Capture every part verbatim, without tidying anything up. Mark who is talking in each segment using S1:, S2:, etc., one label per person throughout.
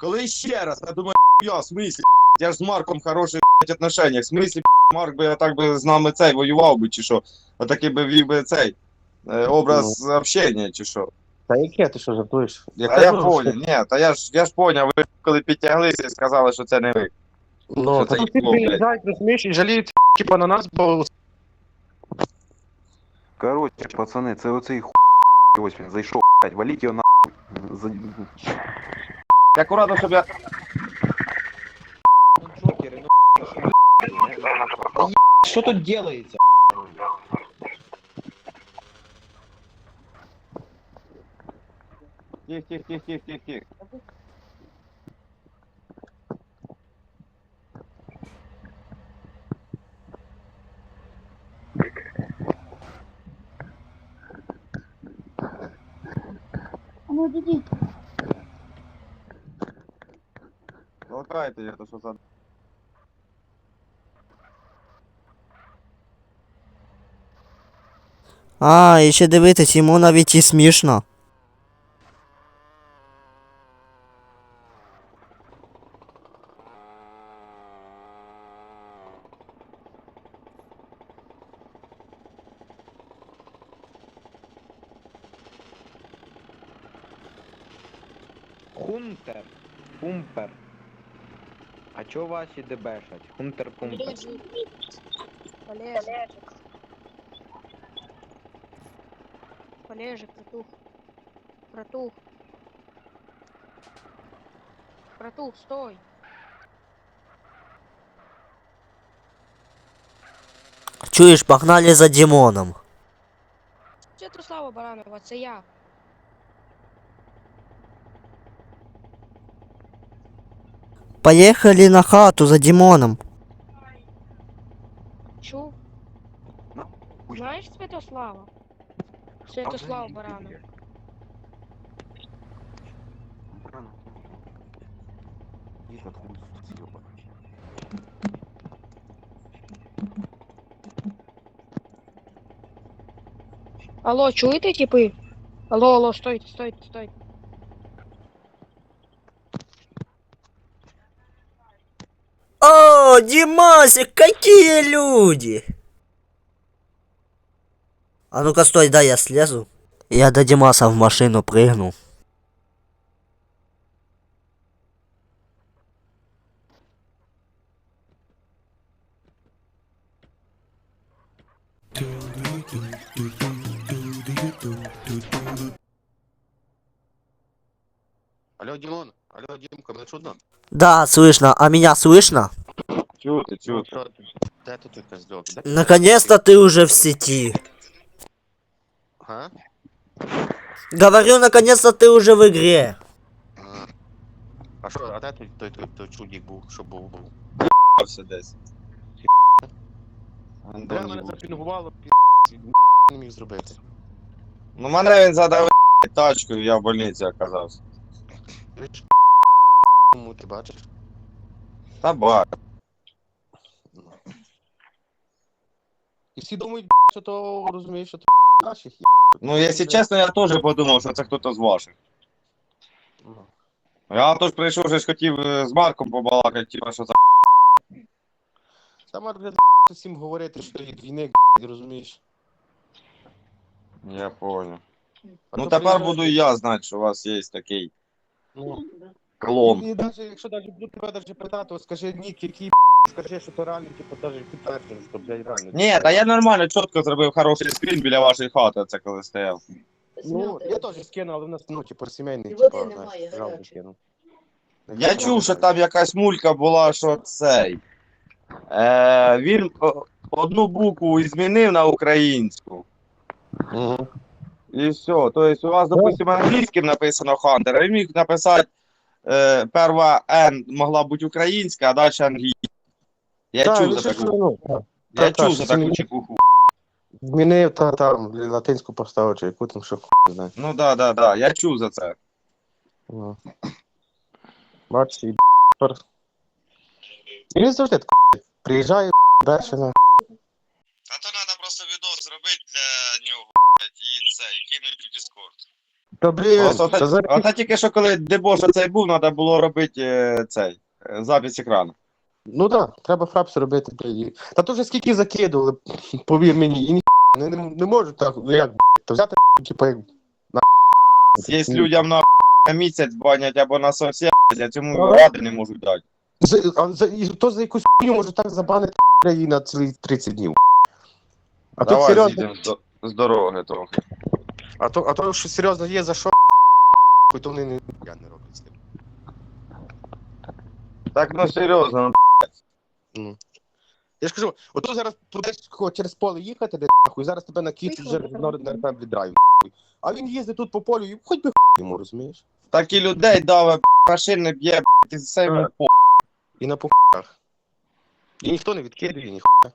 S1: Коли ще раз, я думаю, я, в смислі, я ж з Марком хороший отношення, в смислі, Марк би так би з нами цей воював би, чи що, отакий би вів би цей е, образ ну. общення, чи що.
S2: Та яке, ти що жартуєш?
S1: Та я поняв, ні, та я ж, я ж поняв, ви коли підтяглися і сказали, що це не ви.
S2: Ну, та тут всі приїжджають, розумієш, і жаліють, типа, на нас, бо...
S3: Короче, пацани, це оцей хуй, ось він зайшов, блядь, валіть його нахуй. За...
S1: Акуратно, щоб я...
S2: Джокери, ну, що тут делається?
S1: Тих, тих, тих, тих, тих, тих.
S4: Ну, иди.
S1: Толкайте, это что за...
S5: А, і ще дивитись, йому навіть і смішно.
S2: Хунтер, пумпер. А чо ваші дебешать? Хунтер, пумпер.
S4: Олежик. Олежик, братух. Братух. Братух, стой.
S5: Чуєш, погнали за Дімоном.
S4: Святослава Баранова, це я.
S5: Поїхали на хату за Дімоном.
S4: Чув? Знаєш Святослава? Святослава Баранова. Алло, чуєте, типи? Алло, алло, стойте, стойте, стойте.
S5: О, Димасик, какие люди! А ну-ка стой, дай я слезу. Я до Димаса в машину прыгну.
S2: Алло, Димон, алло, Димка, мене чудно?
S5: Да, слышно. А меня слышно?
S1: Чути, чути.
S2: Де тут ти козлок?
S5: Наконец-то ты уже в сети.
S2: Ага?
S5: Говорю, наконец-то ты уже в игре.
S2: А, а що, а де той, той, той, той чудик був, що був, був?
S1: Все десь.
S2: Бля, мене запінгувало, пі***, не міг зробити.
S1: Ну мене він задав тачкою, я в больниці оказався.
S2: Ви ж кому ти бачиш?
S1: Та бак.
S2: І всі думають, що то, розумієш, що то наших є.
S1: Ну, якщо чесно, я теж подумав, що це хтось з ваших.
S2: Ну.
S1: Я теж прийшов, вже ж хотів е, з Марком побалакати, типа, що за...
S2: Саме для всім говорити, що є двійник, розумієш.
S1: Я понял.
S2: А
S1: Ну
S2: то
S1: тепер
S2: приїжджають-
S1: буду і я знати, що у вас є такий
S2: Ну,
S1: клон.
S2: і навіть, якщо навіть буду тебе навіть питати, от скажи нік, який, скажи, що то реально, типу, навіть підтверджено, що, блядь, реально.
S1: Ні, та я нормально, чітко зробив хороший скрін біля вашої хати, це коли стояв.
S2: Ну, я теж скину, але в нас, ну, типу, сімейний,
S4: Води
S2: типу,
S4: немає,
S2: знаєш, жалко
S4: гарячої.
S2: скину.
S1: Я чув, що там якась мулька була, що цей. Е, він о, одну букву змінив на українську.
S2: Угу.
S1: І все. Тобто у вас, допустимо, англійським написано Хантер, а він міг написати е, перша Н могла бути українська, а далі англійська. Я
S2: Так,
S1: чув
S2: ну,
S1: за
S2: що ж,
S1: таку.
S2: ну, так.
S1: Я
S2: Та,
S1: чув
S2: та,
S1: за
S2: що
S1: таку
S2: змінив-
S1: чекуху.
S2: Змінив, та, там, латинську поставив, чи яку там, що хуй не знаю.
S1: Ну да, да, да, я чув за це.
S2: Ну. Бачиш, і тепер. І він завжди так приїжджає, далі, на.
S1: А то треба просто відос зробити для нього, і це, і кинути в Discord.
S2: Та блін,
S1: Ось
S2: це
S1: оце,
S2: зараз...
S1: оце тільки що коли дебош оцей був, треба було робити е, цей е, запис екрану.
S2: Ну так, да, треба фрапс робити. блін. і- Та то вже скільки закидували, повір мені, і ні, не, не, не можу так, ну як, то взяти, типу, як...
S1: Є людям на місяць банять або на совсем, а цьому
S2: Ага.
S1: ради не можуть дати.
S2: За, а за, і то за якусь хуйню може так забанити її на цілі тридцять днів. А тут
S1: Давай
S2: серйозно,
S1: зійдемо з, до- з дороги трохи.
S2: а то, а то, що серйозно є за що, то вони не, я не роблять з тим.
S1: Так, ну серйозно, ну,
S2: Я ж кажу, ото зараз будеш через поле їхати, де нахуй, зараз тебе на кіт вже на РП віддраю. А він їздить тут по полю і хоч би хуй йому, розумієш?
S1: так і людей даве, машини б'є, і все йому
S2: Так.
S1: по.
S2: І на похуях. І ніхто не відкидує, ніхуя.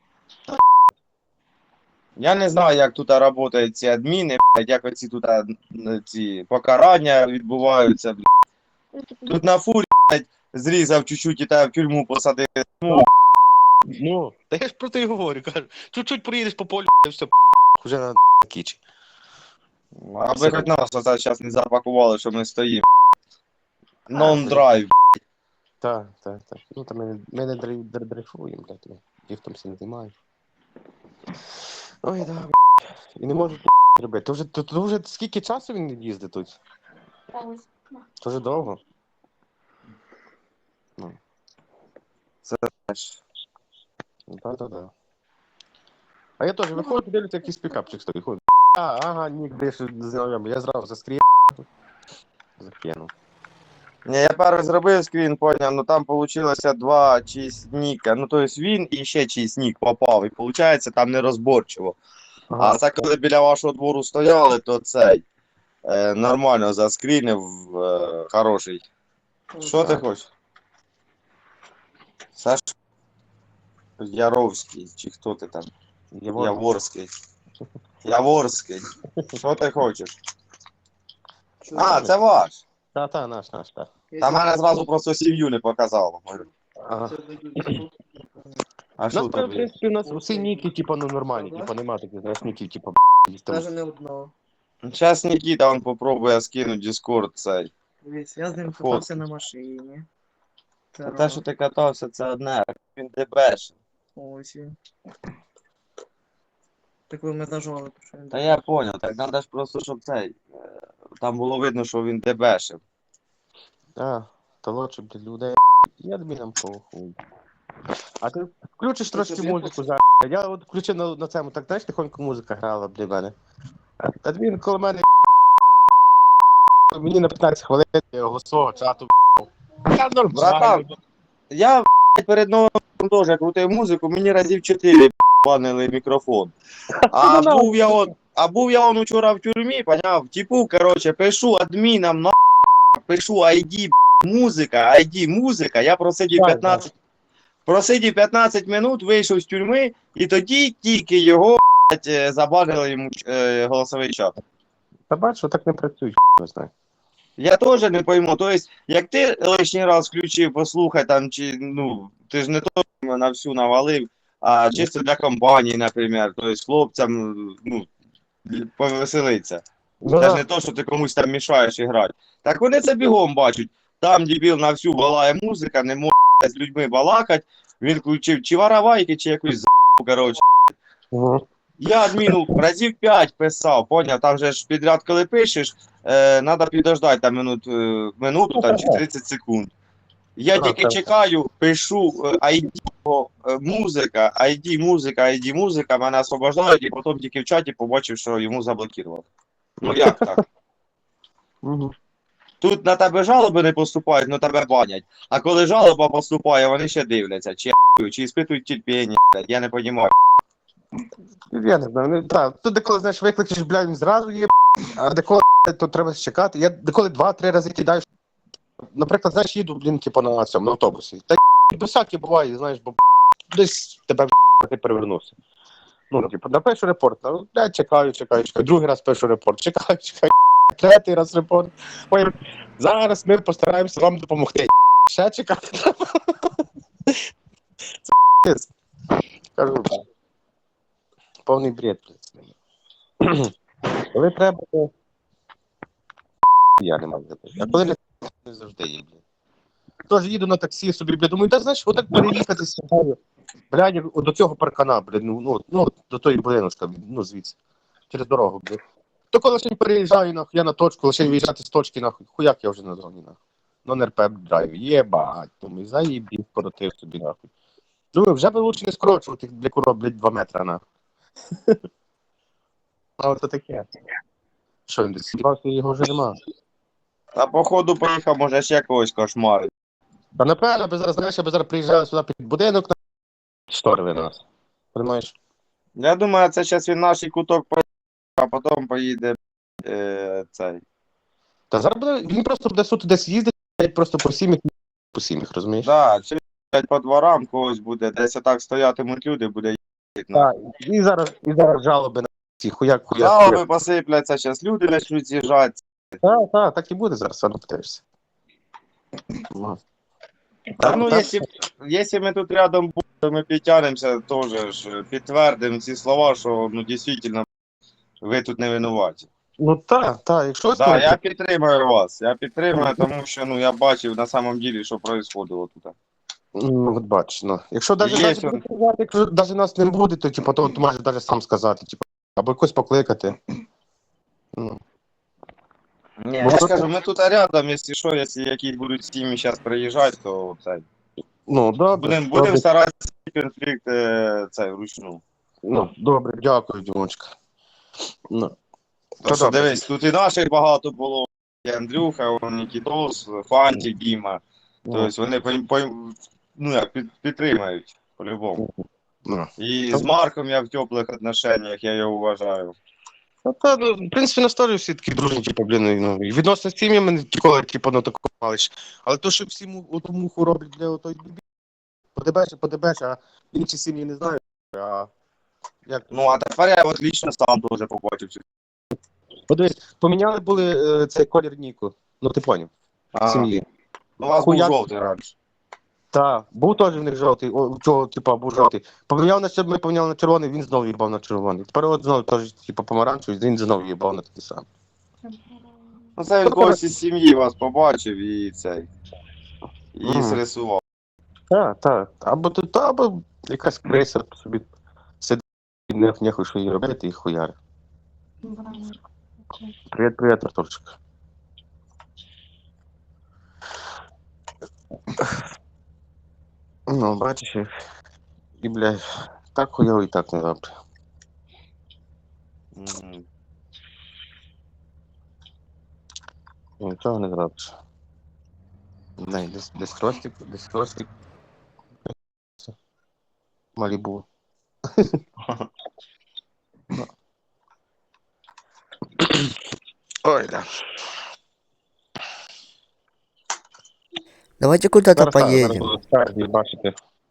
S1: Я не знаю, як тут працюють ці адміни, блядь, як оці тут а, н- ці покарання відбуваються. Блядь. Тут на фурі, блядь, зрізав чуть-чуть і тебе в тюрму посадив. Ну,
S2: Ну, та я ж про те й говорю, кажу. Чуть-чуть проїдеш по полю, і все, вже на кічі.
S1: аби хоч нас оце зараз не запакували, що ми стоїмо. Non-drive.
S2: Так, так, так. Ну, там ми, ми не дрей- др- дрейфуємо, блядь, ми ліфтом всі не займаємо. Ой, да, блядь. І не можу робити. То вже, то, то вже скільки часу він їздить тут? То вже довго. Ну, так, так, так. А я теж виходжу, дивлюся, якийсь пікапчик стоїть. Ходить. А, ага, нік, де ж знайомий. Я зразу заскріяв. Закинув.
S1: Ні, я перший зробив скрін, поняв, ну там вийшло два чиїсь ніка. Ну, тобто він і ще чиїсь нік попав. І виходить, там нерозборчиво. А це коли біля вашого двору стояли, то цей е, нормально заскрінив, е, хороший. Що ти хочеш? Саш Яровський, чи хто ти там?
S2: Євор.
S1: Яворський. Яворський. Що ти хочеш? А, це ваш.
S2: Та, та, наш, наш, так.
S1: Та мене зразу просто сім'ю не показало.
S2: Ага.
S1: А
S2: У
S1: що
S2: нас, в
S1: тобі?
S2: принципі, у нас усі ніки, типу, ну, нормальні, типу, нема таких, знаєш, ніків, типу,
S6: Даже не одного.
S1: Зараз Нікіта, він попробує скинути Discord цей.
S6: Дивись, я з ним
S1: Фото.
S6: катався на машині. Це
S1: Та те,
S6: раз.
S1: що ти катався, це одне, він дебеш.
S6: Ось він. Так ви ми нажали, то що він.
S1: Та я поняв, так треба ж просто, щоб цей. е, Там було видно, що він дебешив.
S2: А, то лучше для людей. Я тобі нам похуй. А ти включиш трошки музику зараз. Я от включив на, на цьому, так знаєш, тихонько музика грала для мене. Та він коло мене мені на п'ятнадцять хвилин його свого чату. Я
S1: Братан, я блядь, перед новим роком теж крутив музику, мені разів чотири банили мікрофон. А був я он, а був я он учора в тюрмі, поняв? Типу, короче, пишу адмінам на пишу ай ді музика, ай ді музика, я просидів
S2: Так,
S1: п'ятнадцять просидів п'ятнадцять минут, вийшов з тюрми, і тоді тільки його блядь, е, забанили йому е, голосовий чат.
S2: Та бачу, так не працюють, не знаю.
S1: Я теж не пойму. Тобто, як ти лишній раз включив, послухай там, чи ну, ти ж не то на всю навалив, а чисто для компанії, наприклад, тобто хлопцям, ну, повеселиться.
S2: Ну,
S1: Це ж
S2: да.
S1: не то, що ти комусь там мішаєш і грати. Так вони це бігом бачать. Там дебіл на всю балає музика, не може з людьми балакати. Він включив чи воровайки, чи якусь за***ку, коротше.
S2: Мгм.
S1: Я адміну разів п'ять писав, поняв, там же ж підряд, коли пишеш, е, треба підождати там минут, е, минуту там, чи тридцять секунд. Я
S2: А,
S1: тільки
S2: так.
S1: чекаю, пишу е, ай ді е, музика, ай ді музика, ай ді музика, мене освобождають, і потім тільки в чаті побачив, що йому заблокували. Ну як так?
S2: Мгм.
S1: Тут на тебе жалоби не поступають, ну тебе банять. А коли жалоба поступає, вони ще дивляться, чи я**ю, чи іспитують терпіння, блядь, я не розумію.
S2: Я не знаю, ну, так, тут деколи, знаєш, викличеш, блядь, він зразу є, а деколи, блядь, то треба чекати. Я деколи два-три рази кидаю. Наприклад, знаєш, їду, блін, типу, на цьому, на автобусі. Та й всяке буває, знаєш, бо десь тебе ти перевернувся. Ну, типу, напишу репорт, ну, блядь, чекаю, чекаю, чекаю. Другий раз пишу репорт, чекаю, чекаю. Третій раз репорт. Ой, зараз ми постараємося вам допомогти. Ще чекати треба. Це пиз. Кажу, повний бред. Коли треба, то я не можу. А коли не завжди є, блін. Тож їду на таксі собі, блядь, думаю, та знаєш, отак переїхати з собою. Блядь, до цього паркана, блядь, ну, ну, ну до тої будиночка, ну, звідси. Через дорогу, блядь. То коли ще переїжджаю, нахуй, я на точку, лише виїжджати з точки, нахуй, хуяк я вже на зоні, нахуй. Ну, на РП драйв, єбать, думаю, заїбів, коротив собі, нахуй. Думаю, вже би лучше не скорочувати, для куро, блядь, два метра, нахуй. А от таке. Що, він десь сібався, його вже нема.
S1: А походу поїхав, може ще когось кошмарить.
S2: Та напевно, би зараз, знаєш, я би зараз приїжджав сюди під будинок, на штори нас. Понимаєш?
S1: Я думаю, це зараз він наш куток поїде, а потім поїде е, цей.
S2: Та зараз буде, він просто буде суто десь їздить, блядь, просто по сім'ях, по сім'ях, розумієш?
S1: Да, чи блядь, по дворам когось буде, десь так стоятимуть люди, буде їздити.
S2: Так, і зараз, і зараз жалоби на ці хуяк, хуяк.
S1: Жалоби посипляться, зараз люди почнуть з'їжджати.
S2: Так, так, так і буде зараз, сам питаєшся. Ну.
S1: Та ну,
S2: так.
S1: якщо, якщо ми тут рядом будемо, ми підтягнемося, теж ж підтвердимо ці слова, що ну дійсно ви тут не винуваті.
S2: Ну так, так, якщо
S1: Так, да, я підтримую вас. Я підтримую, тому що ну я бачив на самом деле, що происходило тут.
S2: Ну, от бачиш, ну. Якщо навіть,
S1: Є
S2: навіть,
S1: що.
S2: якщо навіть нас не буде, то типу, то ти можеш навіть сам сказати, типу, або якось покликати. Ну.
S1: Ні, я ж кажу, ми тут рядом, якщо що, якщо якісь будуть сім'ї зараз приїжджати, то це.
S2: Ну, добре.
S1: Будемо
S2: добре.
S1: будем старатися конфлікт е, цей вручну.
S2: Ну, добре, дякую, Дімочка. Ну.
S1: То що,
S2: добре.
S1: дивись, тут і наших багато було. І Андрюха, Нікітос, Фантик, Діма. Тобто вони по, по, ну, як, під, підтримають по-любому.
S2: Ну.
S1: І з Марком я в теплих отношеннях, я його вважаю.
S2: Ну, та, ну, в принципі, на сторі всі такі дружні, типу, блін, ну, і відносно з сім'ями ніколи, типу, ну, такого малиш. Але то, що всі му, оту муху роблять для отої бібі, подебеш, подебеш, а інші сім'ї не знають, а як?
S1: Ну, а тепер я от лічно сам теж побачив. цю-
S2: Подивись, поміняли були е, цей колір Ніку, ну, ти поняв,
S1: Ага.
S2: сім'ї.
S1: Ну, у вас був
S2: Хуяк.
S1: жовтий раніше.
S2: Так, був теж в них жовтий, о, цього, типу, був жовтий. Поміняв на чер- ми поміняли на червоний, він знову їбав на червоний. Тепер от знову теж, типу, помаранчевий, він знову їбав на такий сам.
S1: Ну, це він когось із сім'ї вас побачив і цей. І
S2: Мгм.
S1: зрисував.
S2: Так, так. Або тут, або якась криса собі сидить, не нехуй, що їй робити, і хуяри. Привіт, привіт, Артурчик. Ну, бачиш, і, і блядь, так хуйово і так не добре.
S1: Мгм.
S2: Нічого не зробиш. Дай, десь, десь хростик, десь хростик. Малібу. Ой, да.
S5: Давайте куда-то
S2: Зараз так, зараз
S5: поедем.
S2: буду спереді бачити.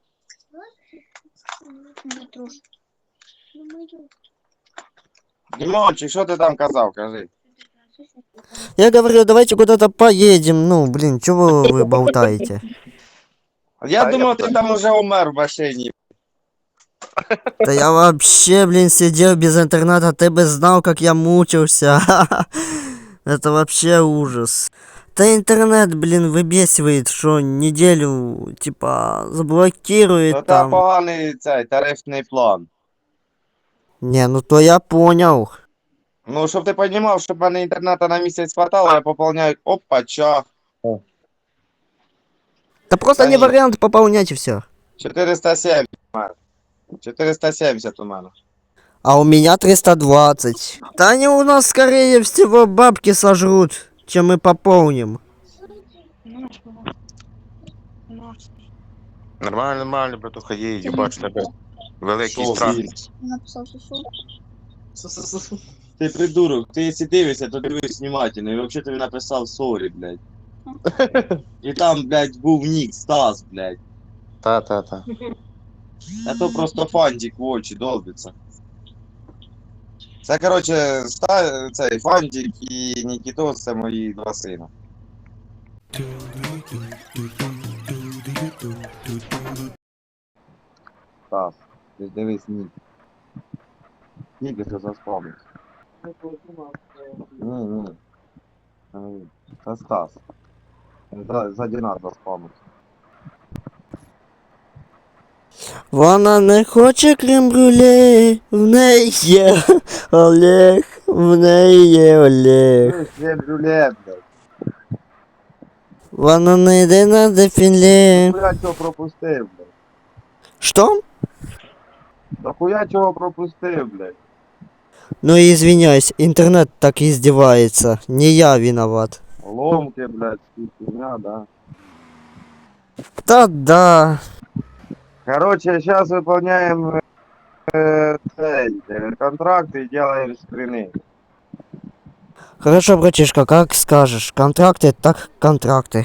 S1: Дімончик, що ти там казав, кажи?
S5: Я говорю, давайте куда-то поедем. Ну, блин, чего вы болтаете?
S1: Я
S2: Та
S1: думав,
S2: я-
S1: ти там уже умер в машині.
S5: Да я вообще, блин, сидел без интернета, ты бы знал, как я мучился. Это вообще ужас. Да интернет, блин, выбесивает, что неделю, типа,
S1: То
S5: заблокирует
S1: це
S5: там.
S1: поганий цей тарифний план.
S5: Не, ну то я понял.
S1: Ну, щоб ти розумів, щоб в мене інтернету на місяць хватало, я поповняю опача.
S5: Да просто
S1: Да
S5: не
S1: нет.
S5: вариант пополнять и все.
S1: чотириста сімдесят у мене. чотириста сімдесят у мене.
S5: А у меня триста двадцать. Да они у нас, скорее всего, бабки сожрут, чем мы пополним.
S2: Нормально, нормально, братуха, є, я бачу тебе. Великий
S1: Що,
S2: страх.
S1: він?
S7: Написав сусу.
S6: Су-су-су.
S1: Ти придурок, ти якщо дивишся, то дивись внимательно. І взагалі тобі написав сорі, блядь. І там, блядь, був нік Стас, блядь.
S2: Та, та, та.
S1: А то просто фантик в очі долбиться. Це, коротше, ста... цей фантик і Нікітос, це мої два сина. Стас, ти ж дивись нік. Нік вже заспав. Ні, ні. Е, Це Стас. За, за Дінар заспамив.
S5: Вона не хоче крем-брюле, в неї є Олег, в неї є Олег.
S1: Ти ж є брюлет, блядь.
S5: Вона не йде на дефіле.
S1: Хуя чого пропустив, блядь.
S5: Що?
S1: Да хуя чого пропустив, блядь.
S5: Ну извиняюсь, интернет так издевается. Не я виноват.
S1: Ломки, блядь, фигня, да.
S5: Да-да.
S1: Короче, сейчас выполняем э, цей, э, контракт и делаем скрины.
S5: Хорошо, братишка, как скажешь. Контракты, так контракты.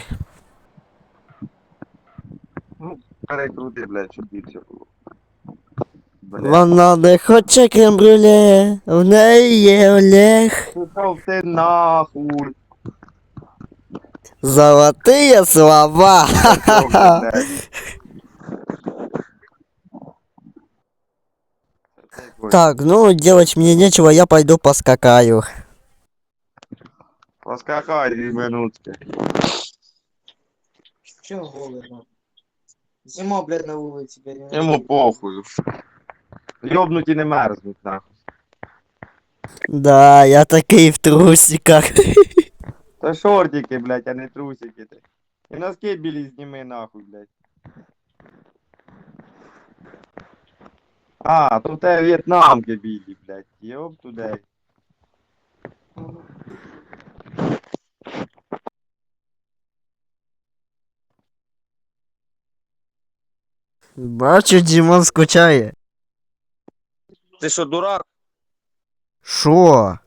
S1: Перекрути, блядь, щоб більше було. Блядь.
S5: Вона не хоче крем-брюле, в неї є Олег.
S1: Пішов ти нахуй.
S5: Золотые слова.
S1: Пішов ти, блядь.
S5: Так, ну делать мне нечего, я пойду поскакаю.
S1: Поскакай дві минутки.
S6: Чего голодно? Зима, блядь, на улице, блядь.
S1: Йому похуй. Йобнуті не мерзнуть, нахуй.
S5: Да, я такий в трусиках.
S1: Та шортики, блядь, а не трусики ти. І носки білі зніми нахуй, блядь. А, то в тебе в'єтнамки білі, блядь. Йоп туди.
S5: Бачу, Дімон скучає.
S1: Ти що, дурак?
S5: Шо?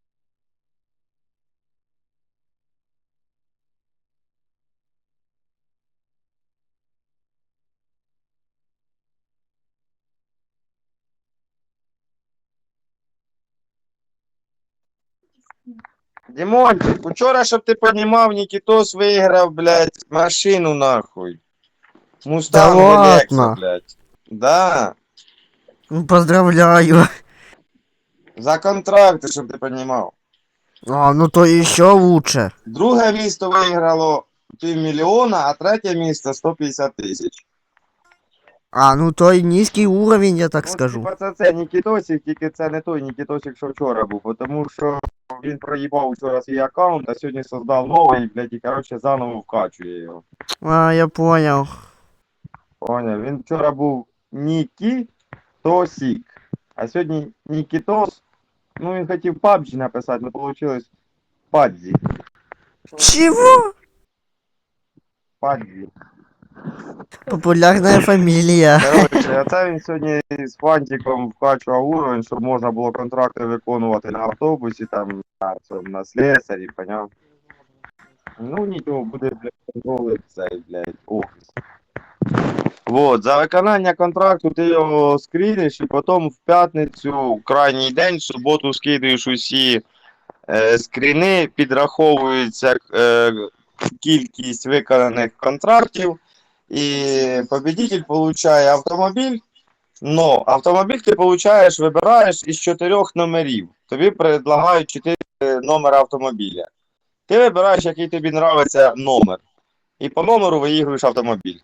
S1: Дімончик, вчора, щоб ти понімав, Нікітос виграв, блядь, машину нахуй. Мустанг
S5: Да
S1: Елекса,
S5: ладно?
S1: блядь. Да.
S5: Ну, поздравляю.
S1: За контракти, щоб ти понімав.
S5: А, ну то еще лучше.
S1: Друге місто виграло півмільйона, а третє місто сто п'ятдесят тисяч.
S5: А, ну то и низкий уровень, я так
S1: Ну,
S5: скажу.
S1: типа це, це Нікітосик, тільки це не той Нікітосик, що вчора був, бо тому що він проїбав вчора свій аккаунт, а сьогодні создав новий, блядь, і, коротше, заново вкачує його.
S5: А, я понял.
S1: Поняв, він вчора був Нікітосик, а сьогодні Нікітос, ну він хотів пабджі написати, але вийшло Падзі.
S5: Чего?
S1: Падзі.
S5: Популярная фамилия.
S1: Коротше, оце він сьогодні з фантиком вкачував уровень, щоб можна було контракти виконувати на автобусі, там, на, цьому, на слесарі, поняв? Ну нічого, буде, блядь, контролить цей, блядь, офіс. Вот, за виконання контракту ти його скріниш і потім в п'ятницю, в крайній день, в суботу скидуєш усі е, скріни, підраховується е, кількість виконаних контрактів, і победитель получає автомобіль, но автомобіль ти получаєш, вибираєш із чотирьох номерів. Тобі предлагають чотири номери автомобіля. Ти вибираєш, який тобі нравиться номер. І по номеру виігруєш автомобіль.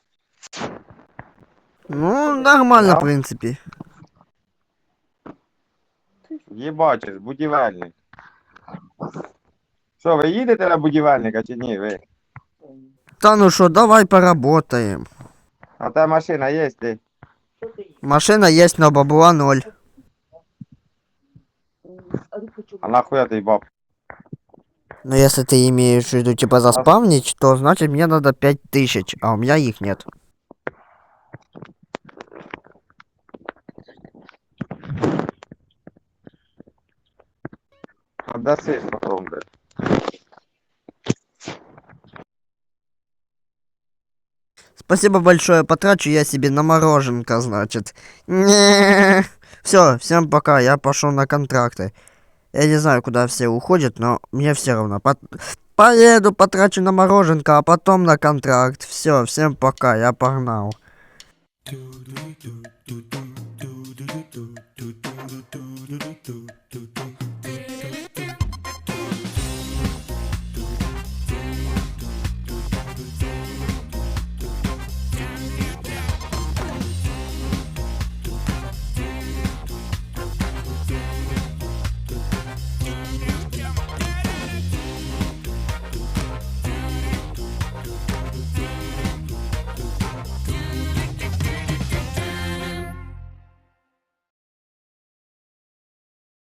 S5: Ну, нормально,
S1: Да.
S5: в принципе.
S1: Єбачиш, будівельник. Що, ви їдете на будівельника чи ні? Ви?
S5: Да ну что, давай поработаем.
S1: А та машина є, ти?
S5: Машина есть, но бабла ноль.
S1: А нахуя ти баб?
S5: Но если ты имеешь в виду, типа, заспавнить, то значит мне надо пять тысяч, а у меня их нет.
S1: Отдаси потом, блядь.
S5: Спасибо большое, потрачу я себе на мороженка, значит. Все, всем пока, я пошел на контракты. Я не знаю, куда все уходят, но мне все равно. По- Поеду, потрачу на мороженка, а потом на контракт. Все, всем пока, я погнал.